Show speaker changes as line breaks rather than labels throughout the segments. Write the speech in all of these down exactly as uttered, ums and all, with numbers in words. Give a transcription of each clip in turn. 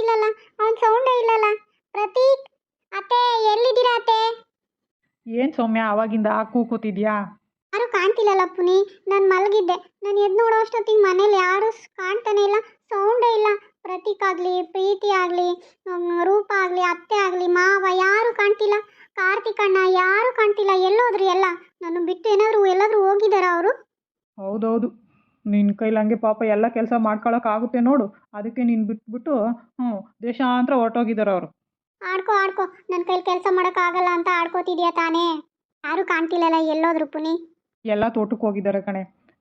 ಕಾಣ್ತಿಲ್ಲಲ್ಲ, ಅವನ ಸೌಂಡೇ ಇಲ್ಲಲ್ಲ. ಪ್ರತೀಕ್, ಅತ್ತೆ ಎಲ್ಲಿದ್ದೀರಾ ಅತ್ತೆ?
ಏನು ಸೌಮ್ಯ ಅವಾಗಿಂದ ಕೂ ಕೂತಿದ್ಯಾ?
ಯಾರು ಕಾಣ್ತಿಲ್ಲಲ್ಲ ಪುನಿ. ನಾನು ಮಲಗಿದ್ದೆ. ನಾನು ಎದ್ದು ನೋಡೋ ಅಷ್ಟೊತ್ತಿಗೆ ಮನೇಲಿ ಯಾರು ಸ್- ಕಾಣ್ತಾನೆ ಇಲ್ಲ, ಸೌಂಡೇ ಇಲ್ಲ. ಪ್ರತೀಕ್ ಆಗಲಿ, ಪ್ರೀತಿ ಆಗಲಿ, ರೂಪ ಆಗಲಿ, ಅತ್ತೆ ಆಗಲಿ, ಮಾವ ಯಾರು ಕಾಣ್ತಿಲ್ಲ. ಕಾರ್ತಿಕ್ ಅಣ್ಣ ಯಾರು ಕಾಣ್ತಿಲ್ಲ. ಎಲ್ಲೋದ್ರಿ ಎಲ್ಲ? ನನ್ನ ಬಿಟ್ಟು ಏನಾದರೂ ಎಲ್ಲಾದರೂ ಹೋಗಿದ್ದಾರಾ ಅವರು?
ಹೌದೌದು, ನಿನ್ನ ಕೈಲಿ ಹಂಗೆ ಪಾಪ ಎಲ್ಲ ಕೆಲಸ ಮಾಡ್ಕೊಳಕ್ಕಾಗುತ್ತೆ ನೋಡು. ಅದಕ್ಕೆ ನೀನು ಬಿಟ್ಬಿಟ್ಟು ಹ್ಞೂ ದೇಶಾಂತರ ಹೊರಟೋಗಿದ್ದಾರೆ ಅವರು.
ಆಡ್ಕೋ ಆಡ್ಕೋ, ನನ್ನ ಕೈಲಿ ಕೆಲಸ ಮಾಡೋಕ್ಕಾಗಲ್ಲ ಅಂತ ಆಡ್ಕೋತಿದ್ಯಾ ತಾನೇ? ಯಾರು ಕಾಣ್ತಿಲ್ಲಲ್ಲ, ಎಲ್ಲೋದ್ರು ಪುನಿ?
ಎಲ್ಲ ತೋಟಕ್ಕೆ ಹೋಗಿದ್ದಾರೆ ಕಣೆ.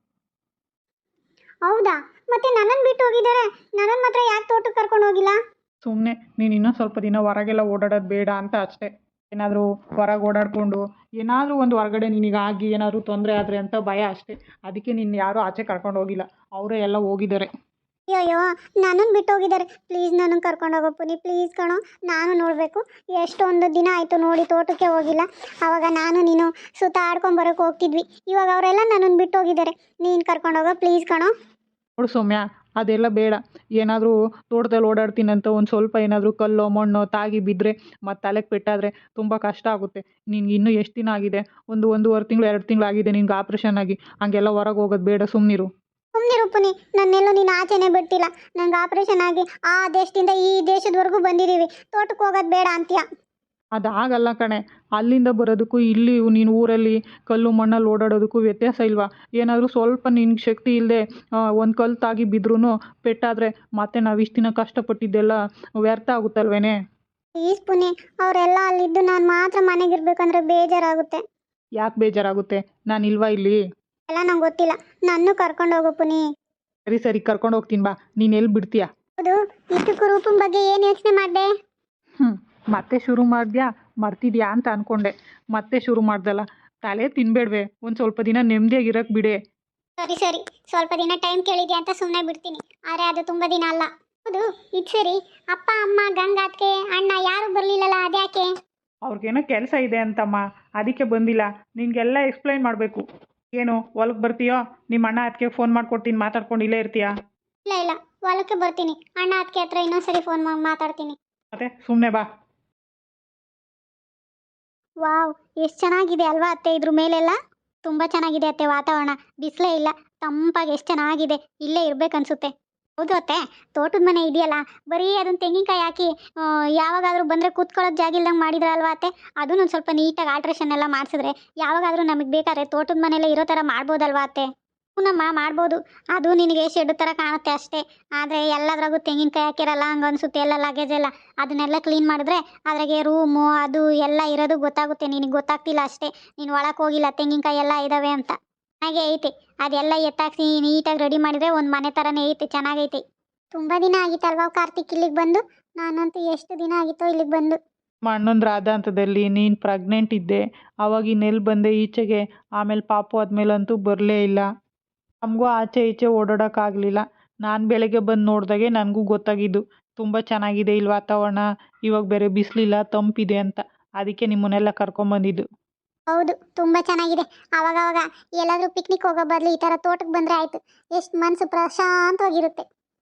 ಹೌದಾ? ಮತ್ತೆ ನನ್ನನ್ನು ಬಿಟ್ಟು ಹೋಗಿದ್ದಾರೆ. ನನ್ನನ್ನು ಮಾತ್ರ ಯಾಕೆ ತೋಟಕ್ಕೆ ಕರ್ಕೊಂಡು ಹೋಗಿಲ್ಲ?
ಸುಮ್ಮನೆ ನೀನು ಇನ್ನೂ ಸ್ವಲ್ಪ ದಿನ ಹೊರಗೆಲ್ಲ ಓಡಾಡೋದು ಬೇಡ ಅಂತ ಅಷ್ಟೇ. ಏನಾದರೂ ಹೊರಗೆ ಓಡಾಡಿಕೊಂಡು ಏನಾದರೂ ಒಂದು ಹೊರಗಡೆ ನಿನಗಾಗಿ ಏನಾದರೂ ತೊಂದರೆ ಆದರೆ ಅಂತ ಭಯ ಅಷ್ಟೇ. ಅದಕ್ಕೆ ನಿನ್ನ ಯಾರೂ ಆಚೆ ಕರ್ಕೊಂಡು ಹೋಗಿಲ್ಲ, ಅವರೇ ಎಲ್ಲ ಹೋಗಿದ್ದಾರೆ.
ಅಯ್ಯೋ, ನನ್ನನ್ನು ಬಿಟ್ಟು ಹೋಗಿದ್ದಾರೆ. ಪ್ಲೀಸ್ ನನ್ನನ್ನು ಕರ್ಕೊಂಡು ಹೋಗೋ ಪುನಿ, ಪ್ಲೀಸ್ ಕಣೋ. ನಾನು ನೋಡಬೇಕು. ಎಷ್ಟೊಂದು ದಿನ ಆಯಿತು ನೋಡಿ ತೋಟಕ್ಕೆ ಹೋಗಿಲ್ಲ. ಆವಾಗ ನಾನು ನೀನು ಸುತ್ತಾಡ್ಕೊಂಡು ಬರೋಕ್ಕೆ ಹೋಗ್ತಿದ್ವಿ. ಇವಾಗ ಅವರೆಲ್ಲ ನನ್ನನ್ನು ಬಿಟ್ಟು ಹೋಗಿದ್ದಾರೆ. ನೀನು ಕರ್ಕೊಂಡು ಹೋಗೋ ಪ್ಲೀಸ್ ಕಣೋ.
ನೋಡು ಸೌಮ್ಯ, ಅದೆಲ್ಲ ಬೇಡ. ಏನಾದರೂ ತೋಟದಲ್ಲಿ ಓಡಾಡ್ತೀನಂತ ಒಂದು ಸ್ವಲ್ಪ ಏನಾದರೂ ಕಲ್ಲು ಮಣ್ಣು ತಾಗಿ ಬಿದ್ದರೆ ಮತ್ತು ತಲೆಗೆ ಪೆಟ್ಟಾದರೆ ತುಂಬ ಕಷ್ಟ ಆಗುತ್ತೆ. ನಿನ್ಗೆ ಇನ್ನೂ ಎಷ್ಟು ದಿನ ಆಗಿದೆ? ಒಂದು ಒಂದೂವರೆ ತಿಂಗಳು ಎರಡು ತಿಂಗಳು ಆಗಿದೆ ನಿನ್ಗೆ ಆಪ್ರೇಷನ್ ಆಗಿ. ಹಂಗೆಲ್ಲ ಹೊರಗೆ ಹೋಗೋದು ಬೇಡ, ಸುಮ್ಮನಿರು.
ಸುಮ್ಮನಿರು ಪುನಿ, ನನ್ನೆಲ್ಲೂ ನೀನು ಆಚೆನೇ ಬಿಡ್ತಿಲ್ಲ. ನಂಗೆ ಆಪ್ರೇಷನ್ ಆಗಿ ಆ ದೇಶದಿಂದ ಈ ದೇಶದವರೆಗೂ ಬಂದಿದ್ದೀವಿ. ತೋಟಕ್ಕೆ ಹೋಗೋದು ಬೇಡ ಅಂತೀಯ?
ಅದಾಗಲ್ಲ ಕಣೆ. ಅಲ್ಲಿಂದ ಬರೋದಕ್ಕೂ ಇಲ್ಲಿ ನೀನು ಊರಲ್ಲಿ ಕಲ್ಲು ಮಣ್ಣಲ್ಲಿ ಓಡಾಡೋದಕ್ಕೂ ವ್ಯತ್ಯಾಸ ಇಲ್ವಾ? ಏನಾದರೂ ಸ್ವಲ್ಪ ನಿನ್ಗೆ ಶಕ್ತಿ ಇಲ್ಲದೆ ಒಂದು ಕಲ್ಲು ತಾಗಿ ಬಿದ್ರೂ ಪೆಟ್ಟಾದರೆ ಮತ್ತೆ ನಾವು ಇಷ್ಟು ದಿನ ಕಷ್ಟಪಟ್ಟಿದ್ದೆಲ್ಲ ವ್ಯರ್ಥ ಆಗುತ್ತಲ್ವೇನೆ?
ಪ್ಲೀಸ್ ಪುನಿ, ಅವರೆಲ್ಲ ಅಲ್ಲಿದ್ದು ನಾನು ಮಾತ್ರ ಮನೆಗಿರ್ಬೇಕಂದ್ರೆ ಬೇಜಾರಾಗುತ್ತೆ.
ಯಾಕೆ ಬೇಜಾರಾಗುತ್ತೆ? ನಾನು ಇಲ್ವಾ ಇಲ್ಲಿ?
ಎಲ್ಲ ನಂಗೆ ಗೊತ್ತಿಲ್ಲ. ನನ್ನೂ ಕರ್ಕೊಂಡು ಹೋಗು ಪುನಿ.
ಸರಿ ಸರಿ ಕರ್ಕೊಂಡು ಹೋಗ್ತೀನಿ ಬಾ. ನೀನು ಎಲ್ಲಿ ಬಿಡ್ತೀಯಾ?
ಹೌದು, ಇಷ್ಟಕ್ಕೂ ರೂಪನ್ ಬಗ್ಗೆ ಏನು ಯೋಚನೆ ಮಾಡಿದೆ?
ಹ್ಞೂ ಮತ್ತೆ ಶುರು ಮಾಡಿದ್ಯಾ? ಮರ್ತಿದ್ಯಾ ಅಂತ ಅಂದ್ಕೊಂಡೆ. ಮತ್ತೆ ಶುರು ಮಾಡ್ದಲ್ಲ. ತಲೆ ತಿನ್ಬೇಡ್ವೆ, ಒಂದು ಸ್ವಲ್ಪ ದಿನ ನೆಮ್ಮದಿಯಾಗಿರಕ್ಕೆ ಬಿಡೆ.
ಸರಿ ಸರಿ, ಸ್ವಲ್ಪ ದಿನ ಟೈಮ್ ಕೇಳಿದ್ಯಾ ಅಂತ ಸುಮ್ಮನೆ ಬಿಡ್ತೀನಿ. ಆದರೆ ಅದು ತುಂಬ ದಿನ ಅಲ್ಲ. ಹೌದು, ಇದು ಸರಿ. ಅಪ್ಪ ಅಮ್ಮ ಗಂಗಾತ್ಗೆ ಅಣ್ಣ ಯಾರು ಬರಲಿಲ್ಲಲ್ಲ, ಅದ್ಯಾಕೆ?
ಅವ್ರಿಗೇನೋ ಕೆಲಸ ಇದೆ ಅಂತಮ್ಮ, ಅದಕ್ಕೆ ಬಂದಿಲ್ಲ. ನಿನಗೆಲ್ಲ ಎಕ್ಸ್ಪ್ಲೈನ್ ಮಾಡಬೇಕು. ಏನು ಹೊಲಕ್ಕೆ ಬರ್ತೀಯೋ? ನಿಮ್ಮ ಅಣ್ಣ ಅದಕ್ಕೆ ಫೋನ್ ಮಾಡಿಕೊಡ್ತೀನಿ, ಮಾತಾಡ್ಕೊಂಡು ಇಲ್ಲೇ ಇರ್ತೀಯಾ?
ಇಲ್ಲ ಇಲ್ಲ, ಹೊಲಕ್ಕೆ ಬರ್ತೀನಿ. ಅಣ್ಣ ಅದಕ್ಕೆ ಹತ್ರ ಇನ್ನೊಂದ್ಸರಿ ಫೋನ್ ಮಾಡಿ ಮಾತಾಡ್ತೀನಿ.
ಮತ್ತೆ ಸುಮ್ಮನೆ ಬಾ.
ವಾವ್, ಎಷ್ಟು ಚೆನ್ನಾಗಿದೆ ಅಲ್ವಾ ಅತ್ತೆ? ಇದ್ರ ಮೇಲೆಲ್ಲ ತುಂಬ ಚೆನ್ನಾಗಿದೆ ಅತ್ತೆ. ವಾತಾವರಣ ಬಿಸಿಲೇ ಇಲ್ಲ, ತಂಪಾಗಿ ಎಷ್ಟು ಚೆನ್ನಾಗಿದೆ. ಇಲ್ಲೇ ಇರ್ಬೇಕನ್ಸುತ್ತೆ. ಹೌದು ಅತ್ತೆ, ತೋಟದ ಮನೆ ಇದೆಯಲ್ಲ, ಬರೀ ಅದನ್ನ ತೆಂಗಿನಕಾಯಿ ಹಾಕಿ ಯಾವಾಗಾದರೂ ಬಂದರೆ ಕೂತ್ಕೊಳ್ಳೋಕೆ ಜಾಗ ಇಲ್ದಂಗೆ ಮಾಡಿದ್ರಲ್ವಾ ಅತ್ತೆ? ಅದನ್ನು ಒಂದು ಸ್ವಲ್ಪ ನೀಟಾಗಿ ಆಲ್ಟ್ರೇಷನ್ ಎಲ್ಲ ಮಾಡಿಸಿದ್ರೆ ಯಾವಾಗಾದರೂ ನಮಗೆ ಬೇಕಾದ್ರೆ ತೋಟದ ಮನೆಯಲ್ಲೇ ಇರೋ ಥರ ಮಾಡ್ಬೋದಲ್ವಾ ಅತ್ತೆ? ಹೂನಮ್ಮ, ಮಾಡ್ಬೋದು. ಅದು ನಿನಗೆ ಶೆಡ್ ಥರ ಕಾಣುತ್ತೆ ಅಷ್ಟೇ. ಆದರೆ ಎಲ್ಲದ್ರಾಗೂ ತೆಂಗಿನಕಾಯಿ ಹಾಕಿರಲ್ಲ, ಹಂಗೆ ಅನಿಸುತ್ತೆ. ಎಲ್ಲ ಲಗೇಜ್ ಎಲ್ಲ ಅದನ್ನೆಲ್ಲ ಕ್ಲೀನ್ ಮಾಡಿದ್ರೆ ಅದ್ರಾಗೆ ರೂಮು ಅದು ಎಲ್ಲ ಇರೋದು ಗೊತ್ತಾಗುತ್ತೆ. ನಿನಗೆ ಗೊತ್ತಾಗ್ತಿಲ್ಲ ಅಷ್ಟೇ, ನೀನು ಒಳಕ್ಕೆ ಹೋಗಿಲ್ಲ. ತೆಂಗಿನಕಾಯಿ ಎಲ್ಲ ಇದ್ದಾವೆ ಅಂತ ಹಾಗೆ ಐತೆ. ಅದೆಲ್ಲ ಎತ್ತಾಕ್ಸಿ ನೀಟಾಗಿ ರೆಡಿ ಮಾಡಿದರೆ ಒಂದು ಮನೆ ಥರನೇ ಐತೆ, ಚೆನ್ನಾಗೈತೆ. ತುಂಬ ದಿನ ಆಗಿತ್ತಲ್ವಾ ಕಾರ್ತಿಕ್ ಇಲ್ಲಿಗೆ ಬಂದು? ನಾನಂತೂ ಎಷ್ಟು ದಿನ ಆಗಿತ್ತೋ ಇಲ್ಲಿಗೆ ಬಂದು.
ನಮ್ಮ ಅಣ್ಣಂದ್ರ ಆದಾಂತದಲ್ಲಿ ನೀನು ಪ್ರೆಗ್ನೆಂಟ್ ಇದ್ದೆ, ಅವಾಗ ಇನ್ನೆಲ್ಲಿ ಬಂದೆ ಈಚೆಗೆ. ಆಮೇಲೆ ಪಾಪು ಆದಮೇಲಂತೂ ಬರಲೇ ಇಲ್ಲ. ನಮಗೂ ಆಚೆ ಈಚೆ ಓಡಾಡೋಕ್ಕಾಗಲಿಲ್ಲ. ನಾನು ಬೆಳಗ್ಗೆ ಬಂದು ನೋಡಿದಾಗೆ ನನಗೂ ಗೊತ್ತಾಗಿದ್ದು ತುಂಬ ಚೆನ್ನಾಗಿದೆ ಇಲ್ಲಿ ವಾತಾವರಣ. ಇವಾಗ ಬೇರೆ ಬಿಸಿಲಿಲ್ಲ, ತಂಪಿದೆ ಅಂತ. ಅದಕ್ಕೆ ನಿಮ್ಮನ್ನೆಲ್ಲ ಕರ್ಕೊಂಬಂದಿದ್ದು.
ಹೌದು, ತುಂಬ ಚೆನ್ನಾಗಿದೆ. ಆವಾಗವಾಗ ಎಲ್ಲಾದರೂ ಪಿಕ್ನಿಕ್ ಹೋಗೋ ಬದಲು ಈ ಥರ ತೋಟಕ್ಕೆ ಬಂದರೆ ಆಯಿತು. ಎಷ್ಟು ಮನಸ್ಸು ಪ್ರಶಾಂತವಾಗಿರುತ್ತೆ.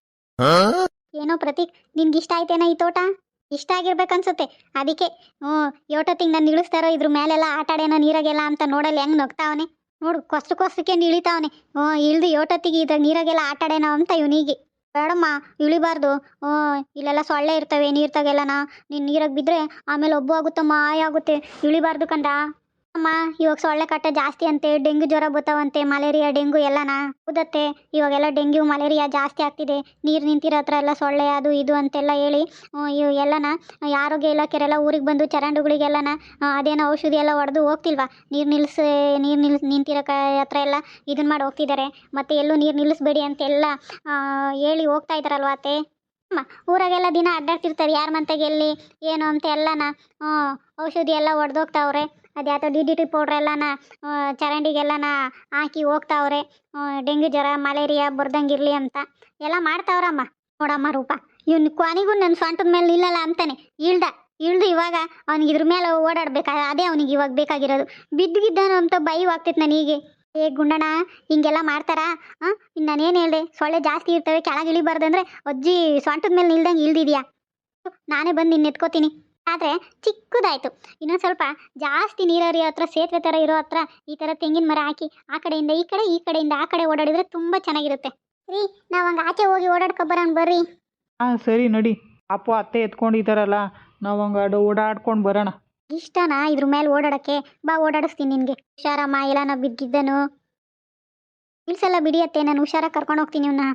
ಏನೋ ಪ್ರತೀಕ್, ನಿನ್ಗೆ ಇಷ್ಟ ಆಯ್ತೇನೋ ಈ ತೋಟ? ಇಷ್ಟ ಆಗಿರ್ಬೇಕನ್ಸುತ್ತೆ. ಅದಕ್ಕೆ ಹ್ಞೂ ಯೋಟೊತ್ತಿಗೆ ನಾನು ಇಳಿಸ್ತಾರೋ ಇದ್ರ ಮೇಲೆಲ್ಲ ಆಟ ಆಡೇನೋ ನೀರಾಗೆಲ್ಲ ಅಂತ ನೋಡಲ್ಲಿ ಹೆಂಗೆ ನಗ್ತಾವನೆ ನೋಡು. ಕೊಸ್ರು ಕೊಸ್ರಕ್ಕೆ ಇಳಿತಾವನೆ. ಹ್ಞೂ ಇಳ್ದು ಯೋಟೊತ್ತಿಗೆ ಇದ್ರ ನೀರಾಗೆಲ್ಲ ಆಟ ಆಡೇನೋ ಅಂತ ಇವನಿಗೆ. ಬೇಡಮ್ಮ, ಇಳಿಬಾರ್ದು. ಹ್ಞೂ ಇಲ್ಲೆಲ್ಲ ಸೊಳ್ಳೆ ಇರ್ತವೆ ನೀರ್ತಾಗೆಲ್ಲನ. ನೀನು ನೀರಾಗೆ ಬಿದ್ದರೆ ಆಮೇಲೆ ಒಬ್ಬು ಆಗುತ್ತಮ್ಮ, ಆಯಾಗುತ್ತೆ. ಇಳಿಬಾರ್ದು ಕಂದ. ಅಮ್ಮ, ಇವಾಗ ಸೊಳ್ಳೆ ಕಾಟ ಜಾಸ್ತಿ ಅಂತೆ, ಡೆಂಗ್ಯೂ ಜ್ವರ ಬರ್ತಾವಂತೆ, ಮಲೇರಿಯಾ ಡೆಂಗು ಎಲ್ಲನ. ಹೌದತ್ತೆ, ಇವಾಗೆಲ್ಲ ಡೆಂಗ್ಯೂ ಮಲೇರಿಯಾ ಜಾಸ್ತಿ ಆಗ್ತಿದೆ. ನೀರು ನಿಂತಿರೋ ಹತ್ರ ಎಲ್ಲ ಸೊಳ್ಳೆ ಅದು ಇದು ಅಂತೆಲ್ಲ ಹೇಳಿ ಇವು ಎಲ್ಲನ ಆರೋಗ್ಯ ಇಲಾಖೆರೆಲ್ಲ ಊರಿಗೆ ಬಂದು ಚರಂಡುಗಳಿಗೆಲ್ಲನ ಅದೇನೋ ಔಷಧಿ ಎಲ್ಲ ಹೊಡೆದು ಹೋಗ್ತಿಲ್ವಾ? ನೀರು ನಿಲ್ಲಿಸಿ ನೀರು ನಿಲ್ ನಿಂತಿರೋ ಕ ಹತ್ರ ಎಲ್ಲ ಇದನ್ನ ಮಾಡಿ ಹೋಗ್ತಿದ್ದಾರೆ. ಮತ್ತು ಎಲ್ಲೂ ನೀರು ನಿಲ್ಲಿಸ್ಬೇಡಿ ಅಂತೆಲ್ಲ ಹೇಳಿ ಹೋಗ್ತಾ ಇದ್ದಾರಲ್ವ ಅತ್ತೆ? ಅಮ್ಮ, ಊರಾಗೆಲ್ಲ ದಿನ ಅಡ್ಡಾಡ್ತಿರ್ತಾರೆ, ಯಾರ ಮಂತೆಗೆ ಎಲ್ಲಿ ಏನು ಅಂತ ಎಲ್ಲನ ಔಷಧಿ ಎಲ್ಲ ಹೊಡೆದೋಗ್ತಾವ್ರೆ. ಅದು ಯಾತೋ ಡಿ ಡಿ ಟಿ ಪೌಡ್ರ್ ಎಲ್ಲನ ಚರಂಡಿಗೆಲ್ಲನ ಹಾಕಿ ಹೋಗ್ತಾವ್ರೆ. ಡೆಂಗ್ಯೂ ಜ್ವರ ಮಲೇರಿಯಾ ಬರ್ದಂಗಿರಲಿ ಅಂತ ಎಲ್ಲ ಮಾಡ್ತಾವ್ರಮ್ಮ. ನೋಡಮ್ಮ ರೂಪ, ಇವ್ನು ಕೊನೆಗೂ ನನ್ನ ಸೊಂಟದ ಮೇಲೆ ನಿಲ್ಲಲ್ಲ ಅಂತಾನೆ ಇಳ್ದ ಇಳ್ದು ಇವಾಗ ಅವ್ನಿಗೆ ಇದ್ರ ಮೇಲೆ ಓಡಾಡ್ಬೇಕಾ? ಅದೇ ಅವ್ನಿಗೆ ಇವಾಗ ಬೇಕಾಗಿರೋದು. ಬಿದ್ದು ಗಿದ್ದಾನು ಅಂತ ಭಯವಾಗ್ತೈತೆ ನನಗೆ. ಏ ಗುಂಡಣ್ಣ, ಹಿಂಗೆಲ್ಲ ಮಾಡ್ತಾರಾ? ಹಾಂ, ನಾನೇನು ಹೇಳಿದೆ? ಸೊಳ್ಳೆ ಜಾಸ್ತಿ ಇರ್ತವೆ, ಕೆಳಗೆ ಇಳಿಬಾರ್ದಂದ್ರೆ ಅಜ್ಜಿ ಸೊಂಟದ ಮೇಲೆ ನಿಲ್ದಂಗೆ ಇಳ್ದಿದ್ಯಾ? ನಾನೇ ಬಂದು ನಿನ್ನ ಎತ್ಕೋತೀನಿ. ಆದರೆ ಚಿಕ್ಕದಾಯಿತು. ಇನ್ನೊಂದು ಸ್ವಲ್ಪ ಜಾಸ್ತಿ ನೀರರಿಯೋ ಹತ್ರ, ಸೇತುವೆ ಥರ ಇರೋ ಹತ್ರ ಈ ಥರ ತೆಂಗಿನ ಮರ ಹಾಕಿ ಆ ಕಡೆಯಿಂದ ಈ ಕಡೆ, ಈ ಕಡೆಯಿಂದ ಆ ಕಡೆ ಓಡಾಡಿದರೆ ತುಂಬ ಚೆನ್ನಾಗಿರುತ್ತೆ. ರೀ, ನಾವು ಹಂಗೆ ಆಚೆ ಹೋಗಿ ಓಡಾಡ್ಕೊಬರೋಣ ಬರ್ರಿ.
ಹಾಂ ಸರಿ ನಡಿ. ಅಪ್ಪು ಅತ್ತೆ ಎತ್ಕೊಂಡಿದ್ದಾರಲ್ಲ, ನಾವು ಹಂಗೆ ಓಡಾಡ್ಕೊಂಡು ಬರೋಣ.
ಇಷ್ಟನಾ ಇದ್ರ ಮೇಲೆ ಓಡಾಡೋಕ್ಕೆ? ಬಾ, ಓಡಾಡಿಸ್ತೀನಿ ನಿನಗೆ. ಹುಷಾರಮ್ಮ, ಎಲ್ಲ ನಾ ಬಿದ್ದಿದ್ದನು ಇಲ್ಸೆಲ್ಲ ಬಿಡಿಯತ್ತೆ. ನಾನು ಹುಷಾರಾಗಿ ಕರ್ಕೊಂಡು ಹೋಗ್ತೀನಿ ಇವನ್ನ.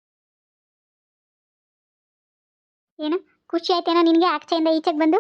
ಏನು ಖುಷಿ ಆಯ್ತೇನೋ ನಿನಗೆ ಆಚೆಯಿಂದ ಈಚೆಗೆ ಬಂದು?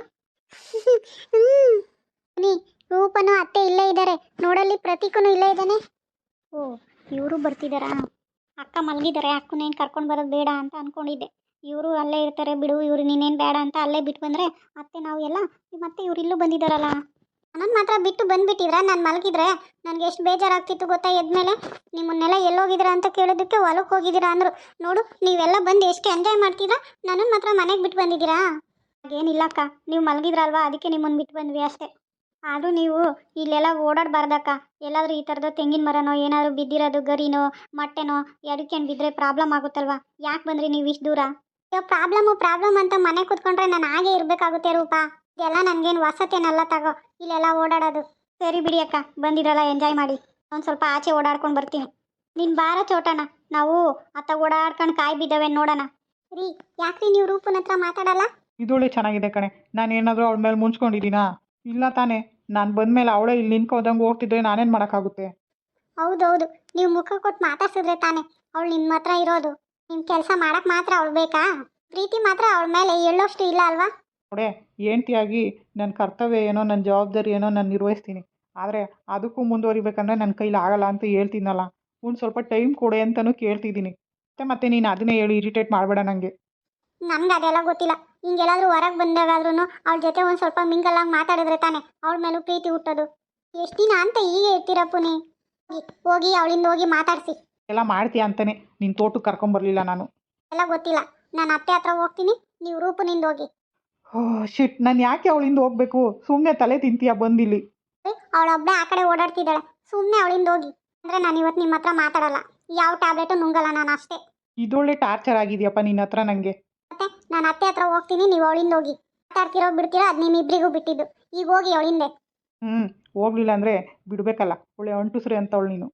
ನೀ ರೂಪನು ಅತ್ತೆ ಇಲ್ಲೇ ಇದ್ದಾರೆ ನೋಡಲ್ಲಿ, ಪ್ರತೀಕನು ಇಲ್ಲೇ ಇದ್ದಾನೆ. ಓ, ಇವರು ಬರ್ತಿದ್ದಾರಾ? ಅಕ್ಕ ಮಲಗಿದ್ದಾರೆ, ಅಕ್ಕನೇನು ಕರ್ಕೊಂಡು ಬರೋದು ಬೇಡ ಅಂತ ಅಂದ್ಕೊಂಡಿದ್ದೆ. ಇವರು ಅಲ್ಲೇ ಇರ್ತಾರೆ ಬಿಡು, ಇವರು ನೀನೇನು ಬೇಡ ಅಂತ ಅಲ್ಲೇ ಬಿಟ್ಟು ಬಂದರೆ ಅತ್ತೆ ನಾವು ಎಲ್ಲ, ಮತ್ತೆ ಇವ್ರು ಇಲ್ಲೂ ಬಂದಿದ್ದಾರಲ್ಲ. ನನ್ನ ಮಾತ್ರ ಬಿಟ್ಟು ಬಂದುಬಿಟ್ಟಿದ್ರ? ನಾನು ಮಲಗಿದ್ರೆ ನನಗೆ ಎಷ್ಟು ಬೇಜಾರಾಗ್ತಿತ್ತು ಗೊತ್ತಾ? ಎದ್ಮೇಲೆ ನಿಮ್ಮನ್ನೆಲ್ಲ ಎಲ್ಲೋಗಿದ್ದೀರಾ ಅಂತ ಕೇಳೋದಕ್ಕೆ ಹೊಲಕ್ಕೆ ಹೋಗಿದ್ದೀರಾ ಅಂದರು. ನೋಡು, ನೀವೆಲ್ಲ ಬಂದು ಎಷ್ಟು ಎಂಜಾಯ್ ಮಾಡ್ತಿದ್ರಾ, ನನ್ನನ್ನು ಮಾತ್ರ ಮನೆಗೆ ಬಿಟ್ಟು ಬಂದಿದ್ದೀರಾ? ಹಾಗೇನಿಲ್ಲಕ್ಕ, ನೀವು ಮಲಗಿದ್ರಲ್ವಾ ಅದಕ್ಕೆ ನಿಮ್ಮನ್ನು ಬಿಟ್ಟು ಬಂದ್ವಿ ಅಷ್ಟೇ. ಆದರೂ ನೀವು ಇಲ್ಲೆಲ್ಲ ಓಡಾಡಬಾರ್ದಕ್ಕ. ಎಲ್ಲಾದರೂ ಈ ಥರದ್ದು ತೆಂಗಿನ ಮರನೋ ಏನಾದರೂ ಬಿದ್ದಿರೋದು, ಗರಿನೋ ಮೊಟ್ಟೆನೋ ಎಡಕ್ಕೇನು ಬಿದ್ದರೆ ಪ್ರಾಬ್ಲಮ್ ಆಗುತ್ತಲ್ವಾ? ಯಾಕೆ ಬಂದ್ರಿ ನೀವು ಇಷ್ಟು ದೂರ? ಅಯ್ಯೋ, ಪ್ರಾಬ್ಲಮ್ಮು ಪ್ರಾಬ್ಲಮ್ ಅಂತ ಮನೆ ಕೂತ್ಕೊಂಡ್ರೆ ನಾನು ಹಾಗೆ ಇರಬೇಕಾಗುತ್ತೆ ರೂಪಾ. ಇದೆಲ್ಲ ನನಗೇನು ವಸತೇನಲ್ಲ ತಗೋ ಇಲ್ಲೆಲ್ಲ ಓಡಾಡೋದು. ಸರಿ ಬಿಡಿ ಅಕ್ಕ, ಬಂದಿರಲ್ಲ ಎಂಜಾಯ್ ಮಾಡಿ. ಒಂದು ಸ್ವಲ್ಪ ಆಚೆ ಓಡಾಡ್ಕೊಂಡು ಬರ್ತೀನಿ. ನಿನ್ನ ಬಾರ ಚೋಟನ, ನಾವು ಅತ್ತ ಓಡಾಡ್ಕೊಂಡು ಕಾಯಿ ಬಿದ್ದಾವೆ ನೋಡೋಣ. ರೀ, ಯಾಕ್ರಿ ನೀವು ರೂಪನ ಹತ್ರ ಮಾತಾಡಲ್ಲ?
ಇದೊಳ್ಳೆ ಚೆನ್ನಾಗಿದೆ ಕಣೆ. ನಾನು ಏನಾದರೂ ಅವಳ ಮೇಲೆ ಮುಂಚ್ಕೊಂಡಿದ್ದೀನಾ? ಇಲ್ಲ ತಾನೇ. ನಾನು ಬಂದಮೇಲೆ ಅವಳೇ ಇಲ್ಲಿ ನಿಂತ್ಕೋದಂಗೆ ಹೋಗ್ತಿದ್ರೆ ನಾನೇನು ಮಾಡೋಕ್ಕಾಗುತ್ತೆ?
ಹೌದೌದು, ನೀವು ಮುಖ ಕೊಟ್ಟು ಮಾತಾಡ್ಸಿದ್ರೆ ತಾನೇ ಅವಳು ನಿಮ್ಮ ಹತ್ರ ಇರೋದು. ನಿಮ್ಮ ಕೆಲಸ ಮಾಡಕ್ಕೆ ಮಾತ್ರ ಅವಳು ಬೇಕಾ? ಪ್ರೀತಿ ಮಾತ್ರ ಅವಳ ಮೇಲೆ ಎಳ್ಳೋಷ್ಟು ಇಲ್ಲ ಅಲ್ವಾ?
ನೋಡೆ, ಹೆಂಡ್ತಿಯಾಗಿ ನನ್ನ ಕರ್ತವ್ಯ ಏನೋ, ನನ್ನ ಜವಾಬ್ದಾರಿ ಏನೋ ನಾನು ನಿರ್ವಹಿಸ್ತೀನಿ. ಆದರೆ ಅದಕ್ಕೂ ಮುಂದುವರಿಬೇಕಂದ್ರೆ ನನ್ನ ಕೈಲಿ ಆಗಲ್ಲ ಅಂತ ಹೇಳ್ತೀನಲ್ಲ. ಒಂದು ಸ್ವಲ್ಪ ಟೈಮ್ ಕೊಡೆ ಅಂತಲೂ ಕೇಳ್ತಿದ್ದೀನಿ. ಮತ್ತೆ ಮತ್ತೆ ನೀನು ಅದನ್ನೇ ಹೇಳಿ ಇರಿಟೇಟ್ ಮಾಡಬೇಡ ನನಗೆ.
ನಮ್ಗೆ ಅದೆಲ್ಲ ಗೊತ್ತಿಲ್ಲ. ಹಿಂಗೆಲ್ಲಾದ್ರೂ ಹೊರಗೆ ಬಂದಾಗಾದ್ರೂ ಅವಳ ಜೊತೆ ಒಂದು ಸ್ವಲ್ಪ ಮಿಂಗಲಾಗಿ ಮಾತಾಡಿದ್ರೆ ತಾನೆ ಅವಳ ಮೇಲೂ ಪ್ರೀತಿ ಹುಟ್ಟೋದು. ಎಷ್ಟು ದಿನ ಅಂತ ಹೀಗೆ ಇರ್ತೀರಪ್ಪು ನೀ? ಹೋಗಿ ಅವಳಿಂದ ಹೋಗಿ ಮಾತಾಡಿಸಿ.
ಎಲ್ಲ ಮಾಡ್ತೀಯ ಅಂತಾನೆ ನಿನ್ನ ತೋಟಕ್ಕೆ ಕರ್ಕೊಂಬರ್ಲಿಲ್ಲ ನಾನು.
ಎಲ್ಲ ಗೊತ್ತಿಲ್ಲ, ನಾನು ಅತ್ತೆ ಹತ್ರ ಹೋಗ್ತೀನಿ, ನೀವು ರೂಪನಿಂದ ಹೋಗಿ.
ಓ ಶಿಟ್, ನಾನು ಯಾಕೆ ಅವಳಿಂದ ಹೋಗಬೇಕು? ಸುಮ್ಮನೆ ತಲೆ ತಿಂತೀಯ ಬಂದಿಲ್ಲಿ.
ಅವಳೊಬ್ಬಳೆ ಆ ಕಡೆ ಓಡಾಡ್ತಿದ್ದಾಳೆ, ಸುಮ್ಮನೆ ಅವಳಿಂದ ಹೋಗಿ. ಅಂದರೆ ನಾನು ಇವತ್ತು ನಿಮ್ಮ ಹತ್ರ ಮಾತಾಡಲ್ಲ, ಯಾವ ಟ್ಯಾಬ್ಲೆಟು ನುಂಗಲ್ಲ ನಾನು ಅಷ್ಟೇ.
ಇದೊಳ್ಳೆ ಟಾರ್ಚರ್ ಆಗಿದೆಯಪ್ಪ ನಿನ್ನ ಹತ್ರ ನನಗೆ.
ಮತ್ತೆ ನಾನು ಅತ್ತೆ ಹತ್ರ ಹೋಗ್ತೀನಿ, ನೀವು ಅವಳಿಂದ ಹೋಗಿ. ಮಾತಾಡ್ತಿರೋ ಬಿಡ್ತಿರೋ ಅದು ನಿಮ್ಮಿಬ್ಬರಿಗೂ ಬಿಟ್ಟಿದ್ದು. ಈಗ ಹೋಗಿ ಅವಳಿಂದೆ.
ಹ್ಞೂ, ಹೋಗ್ಲಿಲ್ಲ ಅಂದರೆ ಬಿಡಬೇಕಲ್ಲ. ಒಳ್ಳೆ ಅಂಟುಸ್ರೆ ಅಂತವಳು ನೀನು.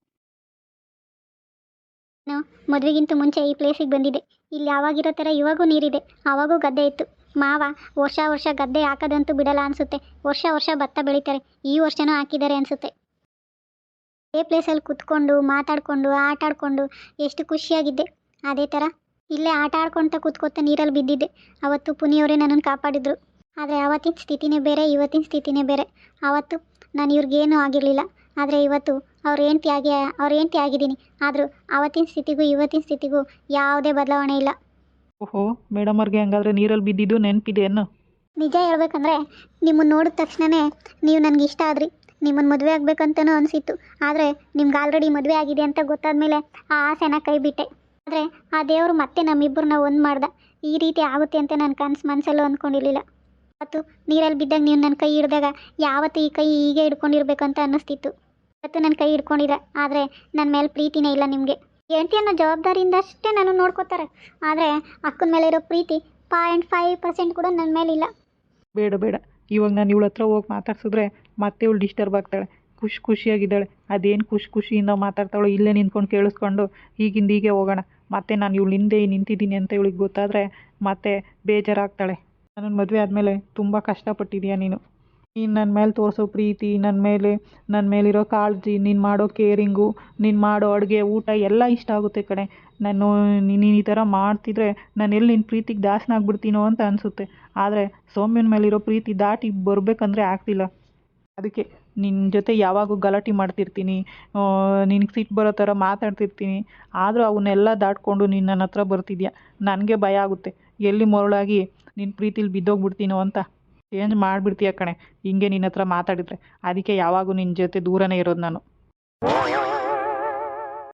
ನಾನು ಮದುವೆಗಿಂತ ಮುಂಚೆ ಈ ಪ್ಲೇಸಿಗೆ ಬಂದಿದ್ದೆ. ಇಲ್ಲಿ ಯಾವಾಗಿರೋ ಥರ ಇವಾಗೂ ನೀರಿದೆ, ಆವಾಗೂ ಗದ್ದೆ ಇತ್ತು. ಮಾವ ವರ್ಷ ವರ್ಷ ಗದ್ದೆ ಹಾಕೋದಂತೂ ಬಿಡಲ್ಲ ಅನಿಸುತ್ತೆ. ವರ್ಷ ವರ್ಷ ಭತ್ತ ಬೆಳೀತಾರೆ, ಈ ವರ್ಷನೂ ಹಾಕಿದ್ದಾರೆ ಅನಿಸುತ್ತೆ. ಅದೇ ಪ್ಲೇಸಲ್ಲಿ ಕುತ್ಕೊಂಡು ಮಾತಾಡಿಕೊಂಡು ಆಟ ಆಡಿಕೊಂಡು ಎಷ್ಟು ಖುಷಿಯಾಗಿದ್ದೆ. ಅದೇ ಥರ ಇಲ್ಲೇ ಆಟ ಆಡ್ಕೊತ ಕೂತ್ಕೊತ ನೀರಲ್ಲಿ ಬಿದ್ದಿದ್ದೆ. ಅವತ್ತು ಪುನಿಯವರೇ ನನ್ನನ್ನು ಕಾಪಾಡಿದ್ರು. ಆದರೆ ಆವತ್ತಿನ ಸ್ಥಿತಿನೇ ಬೇರೆ, ಇವತ್ತಿನ ಸ್ಥಿತಿನೇ ಬೇರೆ. ಆವತ್ತು ನಾನು ಇವ್ರಿಗೇನೂ ಆಗಿರಲಿಲ್ಲ, ಆದರೆ ಇವತ್ತು ಅವ್ರ ಹೆಂಡ್ತಿ ಆಗಿ ಅವ್ರ ಹೆಂಡ್ತಿ ಆಗಿದ್ದೀನಿ. ಆದರೂ ಆವತ್ತಿನ ಸ್ಥಿತಿಗೂ ಇವತ್ತಿನ ಸ್ಥಿತಿಗೂ ಯಾವುದೇ ಬದಲಾವಣೆ ಇಲ್ಲ.
ಓಹೋ, ಮೇಡಮ್ ಅವ್ರಿಗೆ ಹಂಗಾದ್ರೆ ನೀರಲ್ಲಿ ಬಿದ್ದಿದ್ದು ನೆನಪಿದೆ ಅನ್ನೋ?
ನಿಜ ಹೇಳ್ಬೇಕಂದ್ರೆ ನಿಮ್ಮನ್ನು ನೋಡಿದ ತಕ್ಷಣವೇ ನೀವು ನನಗೆ ಇಷ್ಟ ಆದ್ರಿ. ನಿಮ್ಮನ್ನು ಮದುವೆ ಆಗಬೇಕಂತನೂ ಅನಿಸಿತ್ತು. ಆದರೆ ನಿಮ್ಗೆ ಆಲ್ರೆಡಿ ಮದುವೆ ಆಗಿದೆ ಅಂತ ಗೊತ್ತಾದ್ಮೇಲೆ ಆ ಆಸೆನ ಕೈ ಬಿಟ್ಟೆ. ಆದರೆ ಆ ದೇವರು ಮತ್ತೆ ನಮ್ಮಿಬ್ಬರನ್ನ ಒಂದು ಮಾಡ್ದ. ಈ ರೀತಿ ಆಗುತ್ತೆ ಅಂತ ನಾನು ಕನಸು ಮನಸ್ಸಲ್ಲೂ ಅಂದ್ಕೊಂಡಿರಲಿಲ್ಲ. ಅವತ್ತು ನೀರಲ್ಲಿ ಬಿದ್ದಾಗ ನೀವು ನನ್ನ ಕೈ ಹಿಡಿದಾಗ ಯಾವತ್ತು ಈ ಕೈ ಹೀಗೆ ಹಿಡ್ಕೊಂಡಿರ್ಬೇಕಂತ ಅನ್ನಿಸ್ತಿತ್ತು. ಇವತ್ತು ನನ್ನ ಕೈ ಹಿಡ್ಕೊಂಡಿರ, ಆದರೆ ನನ್ನ ಮೇಲೆ ಪ್ರೀತಿನೇ ಇಲ್ಲ ನಿಮಗೆ. ಹೆಂಡತಿ ಅನ್ನೋ ಜವಾಬ್ದಾರಿಯಿಂದ ಅಷ್ಟೇ ನಾನು ನೋಡ್ಕೋತಾರೆ, ಆದರೆ ಅಕ್ಕನ ಮೇಲೆ ಇರೋ ಪ್ರೀತಿ ಪಾಯಿಂಟ್ ಫೈವ್ ಪರ್ಸೆಂಟ್ ಕೂಡ ನನ್ನ ಮೇಲಿಲ್ಲ.
ಬೇಡ ಬೇಡ, ಇವಾಗ ನಾನು ಇವಳ ಹತ್ರ ಹೋಗಿ ಮಾತಾಡ್ಸಿದ್ರೆ ಮತ್ತೆ ಇವಳು ಡಿಸ್ಟರ್ಬ್ ಆಗ್ತಾಳೆ. ಖುಷಿ ಖುಷಿಯಾಗಿದ್ದಾಳೆ, ಅದೇನು ಖುಷಿ ಖುಷಿಯಿಂದ ಮಾತಾಡ್ತಾಳೋ ಇಲ್ಲೇ ನಿಂತ್ಕೊಂಡು ಕೇಳಿಸ್ಕೊಂಡು ಈಗಿಂದ ಹೀಗೆ ಹೋಗೋಣ. ಮತ್ತೆ ನಾನು ಇವಳು ಹಿಂದೆ ನಿಂತಿದ್ದೀನಿ ಅಂತ ಇವಳಿಗೆ ಗೊತ್ತಾದರೆ ಮತ್ತೆ ಬೇಜಾರಾಗ್ತಾಳೆ. ನನ್ನ ಮದುವೆ ಆದಮೇಲೆ ತುಂಬ ಕಷ್ಟಪಟ್ಟಿದ್ದೀಯ ನೀನು. ನೀನು ನನ್ನ ಮೇಲೆ ತೋರಿಸೋ ಪ್ರೀತಿ, ನನ್ನ ಮೇಲೆ ನನ್ನ ಮೇಲಿರೋ ಕಾಳಜಿ, ನೀನು ಮಾಡೋ ಕೇರಿಂಗು, ನೀನು ಮಾಡೋ ಅಡುಗೆ ಊಟ ಎಲ್ಲ ಇಷ್ಟ ಆಗುತ್ತೆ ಕಣೆ. ನಾನು ನೀನು ಈ ಥರ ಮಾಡ್ತಿದ್ರೆ ನಾನು ಎಲ್ಲಿ ನಿನ್ನ ಪ್ರೀತಿಗೆ ದಾಸನ ಆಗ್ಬಿಡ್ತೀನೋ ಅಂತ ಅನಿಸುತ್ತೆ. ಆದರೆ ಸೌಮ್ಯನ ಮೇಲಿರೋ ಪ್ರೀತಿ ದಾಟಿ ಬರಬೇಕಂದ್ರೆ ಆಗ್ತಿಲ್ಲ. ಅದಕ್ಕೆ ನಿನ್ನ ಜೊತೆ ಯಾವಾಗೂ ಗಲಾಟೆ ಮಾಡ್ತಿರ್ತೀನಿ, ನಿನಗೆ ಸಿಟ್ಟು ಬರೋ ಥರ ಮಾತಾಡ್ತಿರ್ತೀನಿ. ಆದರೂ ಅವನ್ನೆಲ್ಲ ದಾಟ್ಕೊಂಡು ನೀನು ನನ್ನ ಹತ್ರ ಬರ್ತಿದ್ಯಾ. ನನಗೆ ಭಯ ಆಗುತ್ತೆ, ಎಲ್ಲಿ ಮರಳಾಗಿ ನಿನ್ನ ಪ್ರೀತಿಲಿ ಬಿದ್ದೋಗ್ಬಿಡ್ತೀನೋ ಅಂತ. ಚೇಂಜ್ ಮಾಡಿಬಿಡ್ತೀಯ ಕಣೆ ಹಿಂಗೆ ನಿನ್ನ ಹತ್ರ ಮಾತಾಡಿದರೆ. ಅದಕ್ಕೆ ಯಾವಾಗೂ ನಿನ್ನ ಜೊತೆ ದೂರನೇ ಇರೋದು ನಾನು.